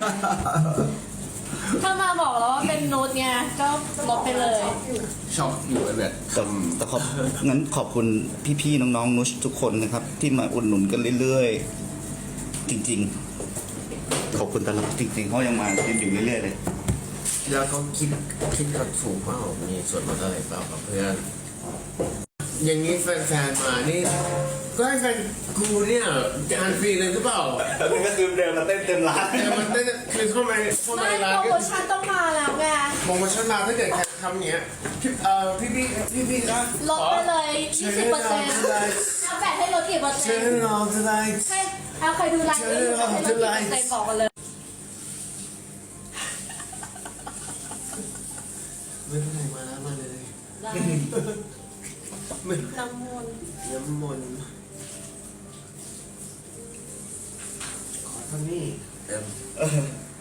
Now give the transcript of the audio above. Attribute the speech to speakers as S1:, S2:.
S1: ถ้ามาบอกแล้วว่าเป็นนูดไงก็ลบไปเลย
S2: ช็อกอยู่แบบ
S3: แต่งั้นขอบคุณพี่ๆน้องๆนุชทุกคนนะครับ ที่มาอุดหนุนกันเรื่อยๆจริงๆขอบคุณตลอดจริงๆเขายังมาอยู่เรื่อยๆเลย
S2: แล้วก็คิดกันถูกเปล่ามีส่วนลดอะไรเปล่ากับเพื่อนอย่างนี้แฟนๆมานี่ก็ให้แฟนกูเนี่ยจะอ่านฟรีเลยหรือเปล่า
S3: แล้วก็คือเดินมาเต้นเต็มร้าน
S2: แต่มันได้คือเข้ามาใน
S1: ไม่
S2: ร้าน
S1: โปร
S2: ก็
S1: โมชั่นต้องมาแล้วไง
S2: มองมาชั้นมาถ้าเกิดใครทำอย่างเงี้ยพี่นะ
S1: ลดไปเลย 20%เอาแบ่งให้ลดกี่เปอร์
S2: เชิ
S1: เซ็นต์
S2: ญเราจะได้
S1: ให้เอาใครดูไลน์ให้ลดกี่เปอร์เซ็นต์บอกกันเลย
S2: ไม่เป็นไรมาแล้วมาเลย
S1: ได้ น้ำมนต์
S2: น้ำมนต์ขอเท่านี้